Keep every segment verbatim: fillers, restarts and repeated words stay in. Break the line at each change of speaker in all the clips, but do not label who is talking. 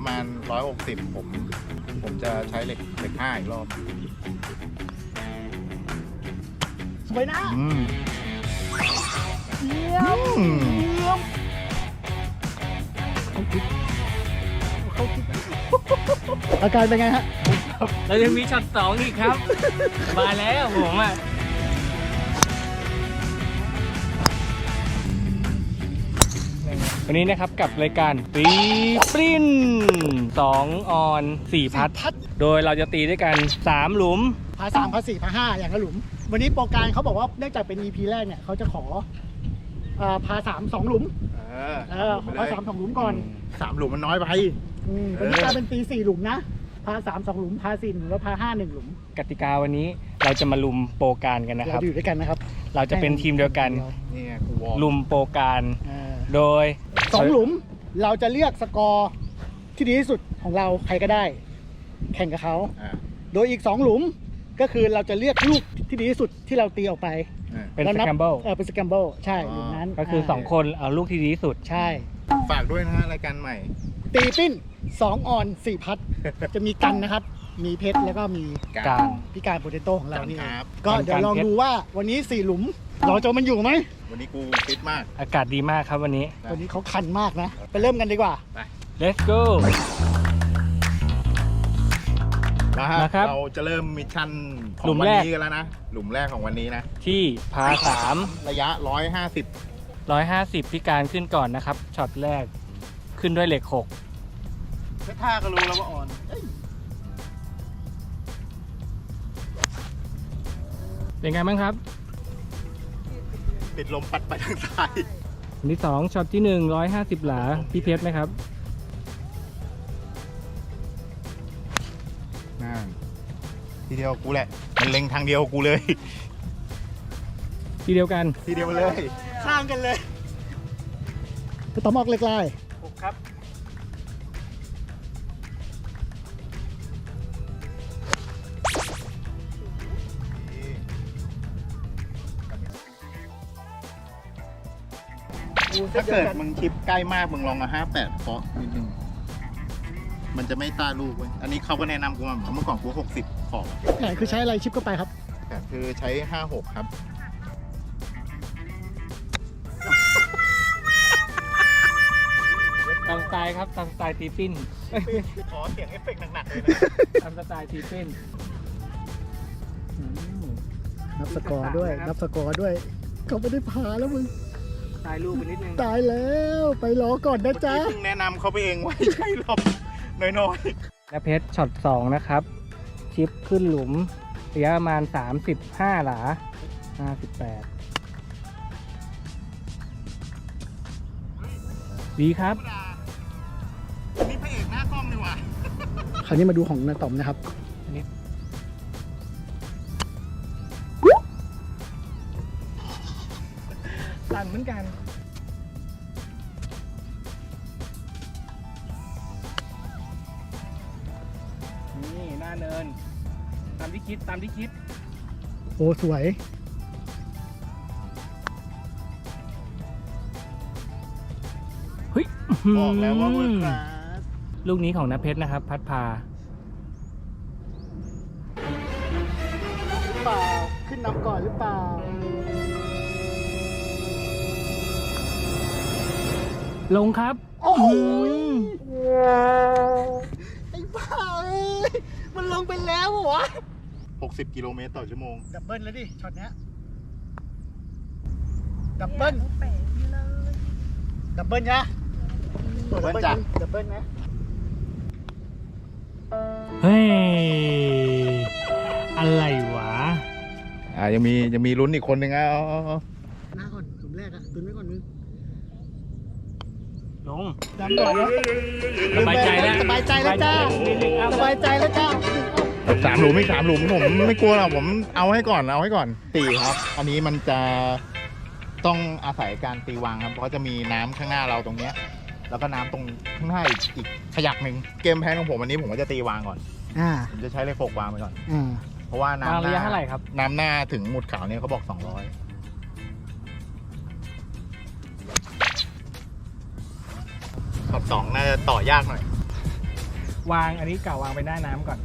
ประมาณร้อยหกสิบผมผมจะใช้เหล็กเหล็กห้าอีกรอบ
สวยนะ
อืม
เยี่ยม
อืม
เยี่ยมเขาคิดอาการเป็นไงฮะ
เราจะมีช็อตสองอีกครับ มาแล้วผมอ่ะวันนี้นะครับกับรายการตีปริ้นสองออนสี่พัด
พัด
โดยเราจะตีด้วยกันสามหลุม
พาสามพาสี่พาห้าอย่างละหลุม วันนี้โปรการเขาบอกว่าเนื่องจากเป็น อี พี แรกเนี่ยเขาจะขออ่าพาสามสองหลุม
เออ
เออขอพาสามสองหลุมก่อน
สามหลุมมันน้อยไป
อืมวันนี้กลายเป็นตีสี่หลุมนะ พาสามสองหลุม พาสี่หลุมแล้วพาห้าหนึ่งหลุม
กติกาวันนี้เราจะมาลุมโปรการกันนะค
เรา
รับ
จะอยู่ด้วยกันนะครับ
เราจะเป็นทีมเดียวกัน
นี่ไงกูวอร์ม
ลุมโปรการ
เออ
โดย
สองหลุมเราจะเลือกสกอร์ที่ดีที่สุดของเราใครก็ได้ แข่งกับเขา
อ่า
โดยอีกสองหลุมก็คือเราจะเลือกลูกที่ดีที่สุดที่เราตีออกไป
อ่า
เป็น
แล้ว
ส
นับ
แคมเบิล
เออเป็นสแกมเบิลใช่
อ๋อ
หลุมนั้น
ก็คือสองคนเอาลูกที่ดีที่สุด
ใช่
ฝากด้วยนะฮะรายการใหม่
ตีปิ้นสองออนสี่พัด จะมีกันนะครับ มีเพชรแล้วก็มี
การ
พี่การโปเตโต้ของเรานี่
ครับ
ก็เดี๋ยวลองดูว่าวันนี้สี่หลุม เราจะมันอยู่ไหม
วันนี้กูฟิตมาก
อากาศดีมากครับวันนี้
วันนี้เขาคันมากนะ ไปเริ่มกันดีกว่า
let's go
นะฮะ
นะครับ
เราจะเริ่มมิชชั่นขอ
หลุ
ง
ม
วัน
แรก
นี้กันแล้วนะ หลุมแรกของวันนี้นะ
ที่พาสาม
ระยะร้อยห้าสิบ
ร้อยห้าสิบพี่การขึ้นก่อนนะครับช็อตแรกขึ้นด้วยเหล็กหก
แค่ท่าก็รู้แล้วว่าอ่อนเอ้ย
เป็นไงบ้างครับ
ติดลมปัดไปทางซ้าย
อันที่สองช็อตที่หนึ่งร้อยห้าสิบหลาพี่เพชรไหมครับ
น่าทีเดียวกูแหละ มันเล็งทางเดียวกูเลย
ทีเดียวกัน
ทีเดียวเลย
ข้างกันเลยไปต่อมอกเล็กไล่
หกครับ
ถ้าเกิดมึงชิปใกล้มากมึงลองมาห้าแปดเคาะนิดนึง มันจะไม่ต้าลูกเว้ย อันนี้เขาก็แนะนำกูมาเหมือนเมื่อก่อนกูหกสิบขอบ
ไหนคือใช้อะไรชิปเข้าไปครับ
แต่คือใช้ห้าหกครับ
ตามสไตล์ครับตามสไตล์ตีปิ้น
ขอเสียงเอฟเฟกต์หนักๆเลยนะ
ตามสไตล์ตีปิ้น
นับสกอร์ด้วย นับสกอร์ด้วย เขาไม่ได้พาแล้วมึง
สไตล์ลูกไปนิดนึง
ตายแล้วไปรอก่อนนะจ๊ะ
เพิ่งแนะนำเขาไปเองว่าใช่หรอกน้อย
และเพชรช็อตสองนะครับ ชิปขึ้นหลุมระยะประมาณสามสิบห้าหลาห้าสิบแปดดีครับ
ๆนี่พระเอกหน้ากล้องนี่หว่า
คราวนี้มาดูของนาต๋อมนะครับ
สั่นเหมือนกัน นี่หน้าเนิน ตามที่คิดตามที่คิด
โอ้สวย
เฮ้ย
บอกแล้วว่าเวิร์คคลาส
ลูกนี้ของนเพชรนะครับ พัดพา
เปล่า ขึ้นนำก่อนหรือเปล่า
ลงครับ
โอ้โห
อืม
ไอ้บ้าเอ้ย มันลงไปแล้วเหรอวะ
หกสิบกิโลเมตรต่อชั่วโมง
ดับเบิลแล้วดิ ช็อตเนี้ย ดับเบิลดับเบิลนะ
ดับเบิ้ลจ้ะ
ดับเบิลนะ
เฮ้ย อะไรวะ
อ่ายังมียังมีลุ้นอีกคนหนึ่งอ่ะเอาเอาเอา
หน้าก่อนกลุ่มแรกอะตุนไว้ก่อนมึง
ลง
ดันก่อนนะ
สบายใจแล้ว
สบายใจแล้วจ้า สบายใจแล้วจ้า
สามหลุมไม่สามหลุมผมไม่กลัวหรอกผมเอาให้ก่อนเอาให้ก่อนตีครับ อันนี้มันจะต้องอาศัยการตีวางครับเพราะจะมีน้ำข้างหน้าเราตรงเนี้ยแล้วก็น้ำตรงข้างหน้าอีกอีกขยักหนึ่งเกมแพนของผมวันนี้ผมก็จะตีวางก่อน
อ่า
ผมจะใช้เลขหกวางไปก่อน
อ่า
เพราะว่าน้ำ
วาง
ห
ระยะ
น้า
เท่าไหร่ครับ
น้ำหน้าถึงหมุดขาวเนี่ยเขาบอกสองร้อยช็อตสองน่าจะต่อยากหน่อย
วางอันนี้เก่าวางไปหน้าน้ำก่อน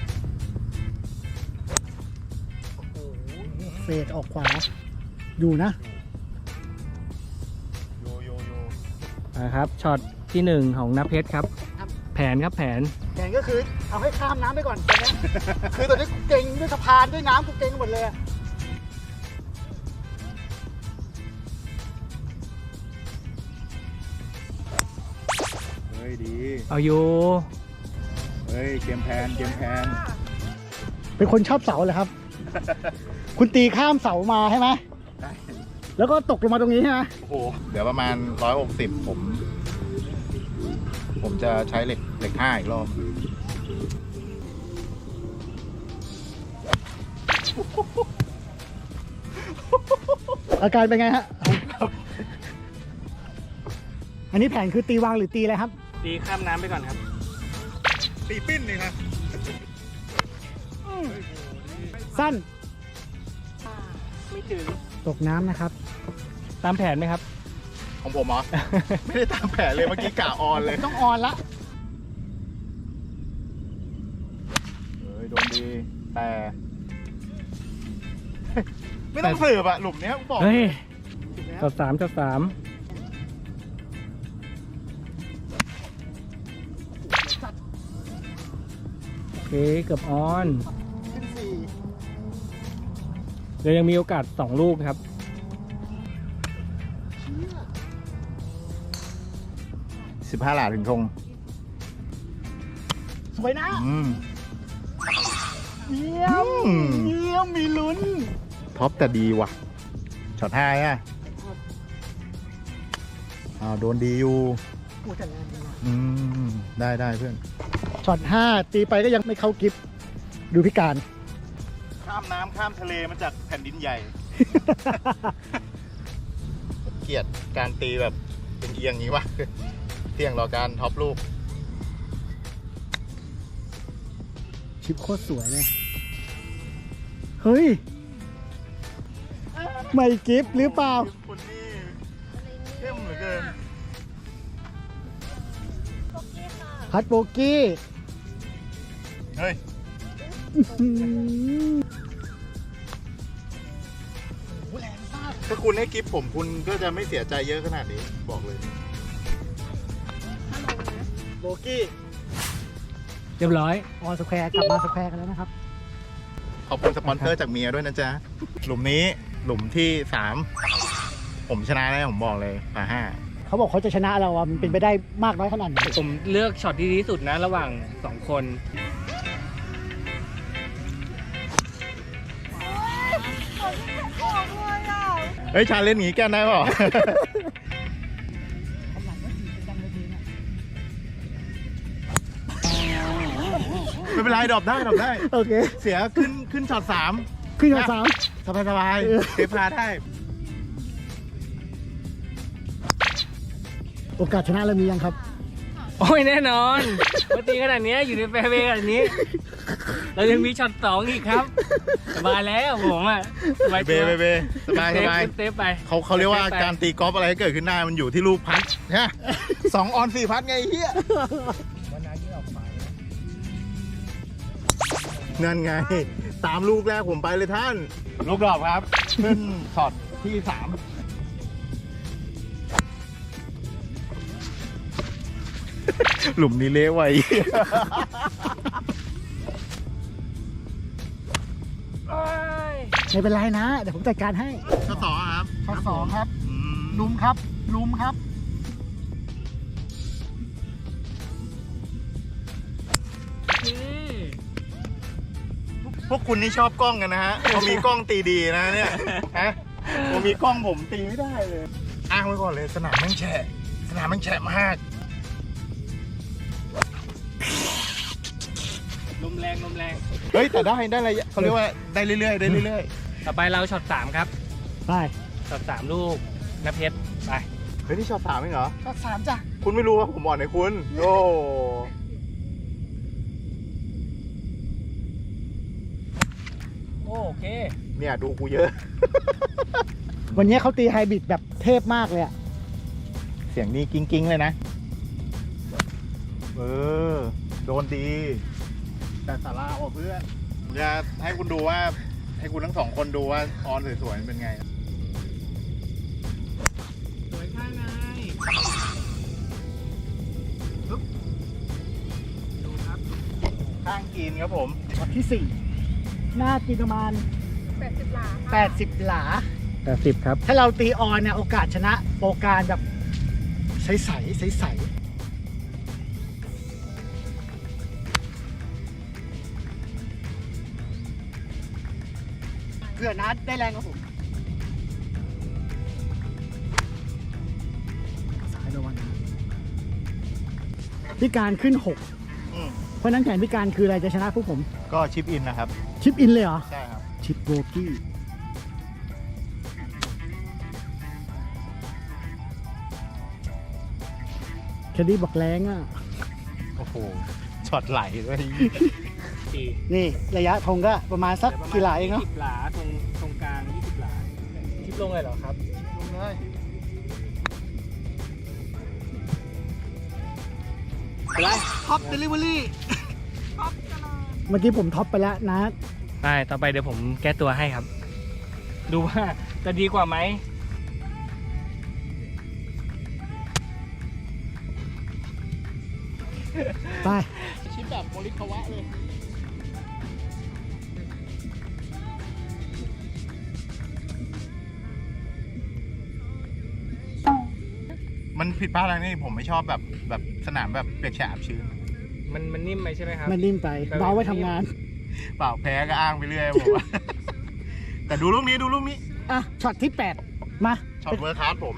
เฟดออกขวา อยู่นะ
โยโยโย
นะครับช็อตที่หนึ่งของนับเพชรครับ
ครับ
แผนครับแผน
แข่งก็คือเอาให้ข้ามน้ำไปก่อนตอนนี้ คือตอนนี้กูเก่งด้วยสะพานด้วยน้ำกูเก่งหมดเลยอะ
เฮ้ยดี
เอาอยู่
เฮ้ยเกมแพนเกมแพน
เป็นคนชอบเสาเหรอครับ คุณตีข้ามเสามาใช่ไหม
ได้
แล้วก็ตกลงมาตรงนี้ใช่ไหม
โอ้โหเดี๋ยวประมาณร้อยหกสิบผม ผมจะใช้เหล็กเหล็กห้าอีกรอบ
อาการเป็นไงฮะ อันนี้แผนคือตีวางหรือตีอะไรครับ
ตีข้ามน้ำไปก่อนครับ
ตีปิ้นเลยครับ
สั้น
ไม่ถึง
ตกน้ำนะครับ
ตามแผนไหมครับ
ของผมเหรอ ไม่ได้ตามแผนเลยเมื่อกี้กะออนเลย
ต้องออนละ
เฮ้ยโดนดี แต่ ไม่ต้องสืบอะหลุมเนี้ยกูบอก
เฮ้ย
ถูกแล้ว
ช็อตสามช็อตสามโอเคเกือบออน
ขึ้นสี่
เดี๋ยวยังมีโอกาสสองลูกครับ
เชี่ย
สิบห้าหลาถึงธง
สวยนะ
อืม
เยี่ยม
อืม
เยี่ยมมีลุ้น
ท็อปแต่ดีว่ะ ช็อตห้าอ่ะอ้าวโดนดีอยู่
โอ้แต่แรงดีนะ
อืม ได้ได้เพื่อน
ช็อตห้าตีไปก็ยังไม่เข้ากิฟดูพิการ
ข้ามน้ำข้ามทะเลมาจากแผ่นดินใหญ่ เกลียดการตีแบบเป็นเอียงอย่างนี้วะเที่ยงรอการท็อปลูก
ชิปโคตรสวยเลย เฮ้ย ไม่กิฟหรือเปล่า
คนนี้เข้มเหลือเกิน
พัดโบกี้
เฮ้ย
อืมโอ้โหแรงมาก
ถ้าคุณให้กิฟต์ผมคุณก็จะไม่เสียใจเยอะขนาดนี้บอกเลย
โบกี้
เรียบร้อย
ออนสแควร์กลับมาสแควร์กันแล้วนะครับ
ขอบคุณสปอนเซอร์จากเมียด้วยนะจ๊ะ หลุมนี้หลุมที่สามผมชนะแน่ผมบอกเลยป่าห้า
เขาบอกเขาจะชนะเราอะมันเป็นไปได้มากน้อยขนาดไหน
ผมเลือกช็อตที่ดีที่สุดนะระหว่างสองคน
เฮ้ย ชาเล่นอย่างงี้แก้ได้เปล่า ไม่เป็นไรดรอปได้ดรอปได้
โอเค
เสียขึ้นขึ้นช็อตสาม
ขึ้นมาสาม
สบายสบาย
เออ
เซฟพาได้
โอกาสชนะเรามียังครับ
โอ้ยแน่นอนปกติขนาดเนี้ยอยู่ในแฟร์เวย์ขนาดนี้ เรายังมีช็อตสองอีกครับ สบายแล้วผมอ่ะสบาย
เบ
ตัว
เบเบสบายสบาย
เซฟเซฟไป
เขาเขาเรียกว่าการตีกอล์ฟอะไรก็เกิดขึ้นได้มันอยู่ที่ลูกพัดฮะสองออนสี่พัดไงไอ้เฮียนั่นไง ตามลูกแรกผมไปเลยท่าน ลูกดรอปครับ ขึ้นช็อตที่สามหลุมนี้เละไว้
ไม่เป็นไรนะ เดี๋ยวผมจัดการให้
ข้อสองครับ
ข้อสองครับ
อืม
ลุมครับ ลุมครับ
พวกคุณนี่ชอบกล้องกันนะฮะผมมีกล้องตีดีนะเนี่ยฮะผมมีกล้องผมตีไม่ได้เลย อ้างไว้ก่อนเลยสนามแม่งแฉะสนามแม่งแฉะมาก
ลมแรงลมแรง
เฮ้ยแต่ได้ได้อะไรเขาเรียกว่าได้เรื่อยๆได้เรื่อย
ต่อไปเราช็อตสามครับ
ไป
ช็อตสามลูกนับเพชรไป
ๆเฮ้ยนี่ช็อตสามเองเหรอ
ข้อสามจ้ะ
คุณไม่รู้ว่าผมอ่อนไหนคุณโอ้
โอเค
เนี่ยดูกูเยอะ
วันนี้เขาตีไฮบริดแบบเทพมากเลยอะ
เสียงนี้กิ้งๆเลยนะ เออโดนดีแต่สาราออกเพื่อนผมจะให้คุณดูว่าให้คุณทั้งสองคนดูว่าออนสวยๆเป็นไง
สวยข้างในดูครับ
ข้างกินครับผม
ช็อตที่สี่หน้ากินประมาณ
แปดสิบหลาค่ะ
แปดสิบหลา
แปดสิบครับ
ถ้าเราตีออนเนี่ยโอกาสชนะโปรการแบบใสใสใสใสเพื่อนัดได้แรงกับผมสายระวังนะพิการขึ้นหก
อืม
เพราะนั้นแผนพิการคืออะไรจะชนะพวกผม
ก็ชิปอินนะครับ
ชิปอินเลยเหรอ
ใช่ครับ
ชิปโบกี้แคดดี้บอกแรงอ่ะ
โอ้โหช็อตไหลด้วย
สี่
นี่ระยะธงก็ประมาณสักกี่หลาเองเนาะ
สิบหลาตรงตรงกลางยี่สิบหลาทิปลงเลยเหรอครับ
ลงเลย
ไปเลย
ท็อปเดลิเวอรี่
ท็อปตลอด
เมื่อกี้ผมท็อปไปแล้วนะ
ได้ต่อไปเดี๋ยวผมแก้ตัวให้ครับ ดูว่าจะดีกว่าไหม
ไป
ชิปแบบโมริคาวะเลย มันผิดพลาดอะไรนี่ผมไม่ชอบแบบแบบสนามแบบเปียกแฉะอับชื้น
มันมันนิ่มไหมใช่ไหมครับ
มันนิ่มไป
ไป
เบาไว้ทำงาน
เปล่าแพ้ก็อ้างไปเรื่อยผมว่า แต่ดูลูกนี้ดูลูกนี้
อ่ะ ช็อตที่แปดมา
ช็อตเวอร์คลาสผม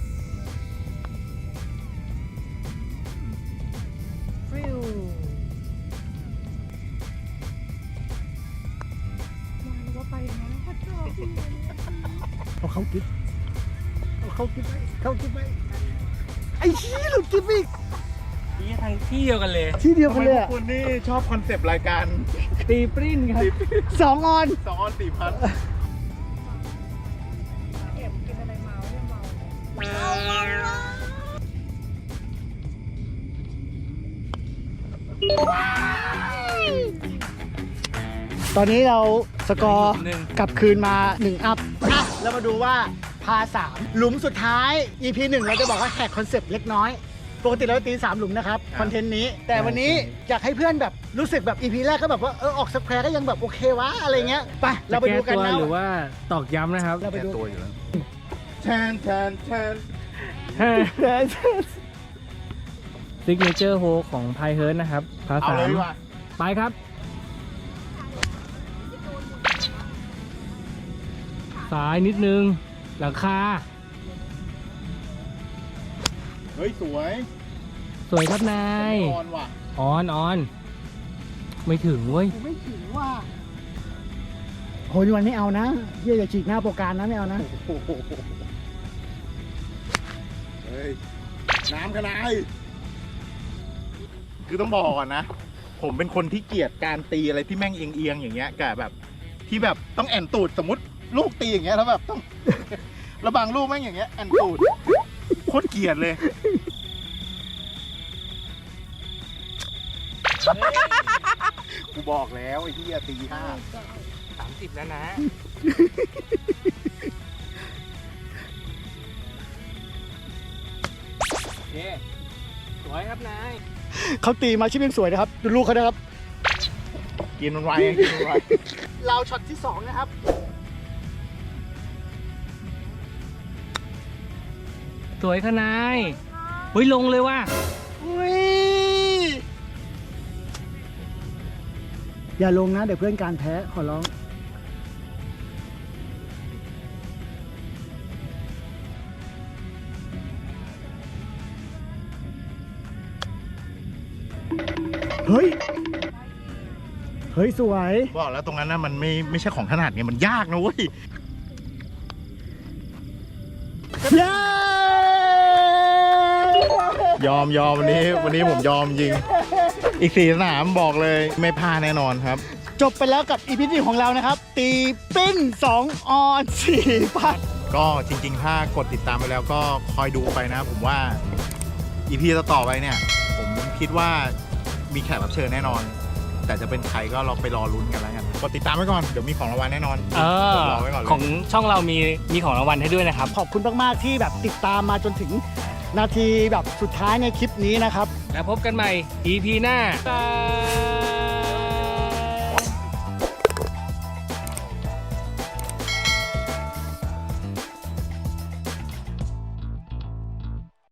ฟิวมาแล้วก็ไปนะพัดเจอพี่
เอาเข้ากิ๊บเอาเข้ากิ๊บไปเข้ากิ๊บไปไอ้ชี้หลุดกิ๊บอีก
นี่ทางที่เดียวกันเลย
ที่เดียว
ทำ
กั
ไม
นเลย
พว
อะ
กคุณนี่ชอบคอนเซปต์รายการ
ตีปริ้นครับ
สองออน
สองออนสี่พัน
แอบกินอะไรเมาเนี่ยเมา
ตอนนี้เราสกอร์
หนึ่ง
กลับคืนมาหนึ่งอัพอ่ะเรามาดูว่าพาสามหลุมสุดท้าย อี พี หนึ่งเราจะบอกว่าแหกคอนเซปต์เล็กน้อย ปกติเราตีสามหลุมนะครับ คอนเทนต์นี้ แต่วันนี้อยากให้เพื่อนแบบรู้สึกแบบ อี พี แรกก็แบบว่าเออออกสแควร์ก็ยังแบบโอเควะอะไรเงี้ยไปเราไปดูกัน
จะแตัว
นะ
หรือว่าตอกย้ำนะครับ
เราไปดู
ตัวอยู่แล้วแทนแทนแทน
ซิกเนเจอร์โฮของไพเฮิร์นะครับพา
เอา
สา
เลย
ม
ดีกว่า
ไปครับ สายนิดนึง หลังคา
เฮ้ยสวย
สวยครับนาย
ออนว่ะ
ออนออน ไม่ถึงเว้ย
กูไม่ถึงว่าโหยวันไม่เอานะเยี่ยอย่าฉีกหน้าโปรการนะไม่เอานะ
โอ้โหเฮ้ยน้ำขนาดคือต้องบอกก่อนนะ ผมเป็นคนที่เกลียดการตีอะไรที่แม่งเอียงๆอย่างเงี้ยกับแบบ ที่แบบต้องแอนตูดสมมติลูกตีอย่างเงี้ยแล้วแบบต้อง แล้วบางลูกแม่งอย่างเงี้ยแอนตูดโคตรเกลียดเลย กูบอกแล้วไอ้ที่ตีห้า
สามสิบแล้วนะ โอเค สวยครับนาย
เขาตีมาชิปยังสวยนะครับ ดูลูกเขานะครับ
กินมันไวกินมันไว
เราช็อตที่สองนะครับ
สวยค่ะนายเฮ้ยลงเลยว่ะ
อุ้ยอย่าลงนะ เดี๋ยวเพื่อนการแพ้ขอร้อง เฮ้ย เฮ้ย สวย
บอกแล้วตรงนั้นนะมันไม่ไม่ใช่ของถนัดไงมันยากนะเว้ย
เย้
ยอมยอมวันนี้วันนี้ผมยอมจริง อีกสี่สนามบอกเลยไม่พลาดแน่นอนครับ
จบไปแล้วกับอีพีที่ของเรานะครับ ตีปิ้นสองออนสี่พัน
ก็จริงๆ ถ้ากดติดตามไปแล้วก็คอยดูไปนะ ผมว่า อีพีต่อๆไปเนี่ย ผมคิดว่ามีแขกรับเชิญแน่นอน แต่จะเป็นใครก็เราไปรอลุ้นกันแล้วกันกดติดตามไว้ก่อนเดี๋ยวมีของรางวัลแน่นอน
เออก
ดรอไว้ก่อนเลย
ของช่องเรามีมีของรางวัลให้ด้วยนะครับ
ขอบคุณมากๆที่แบบติดตามมาจนถึงนาทีแบบสุดท้ายในคลิปนี้นะครับ
แล้วพบกันใหม่ อี พี หน้าบ๊ายบาย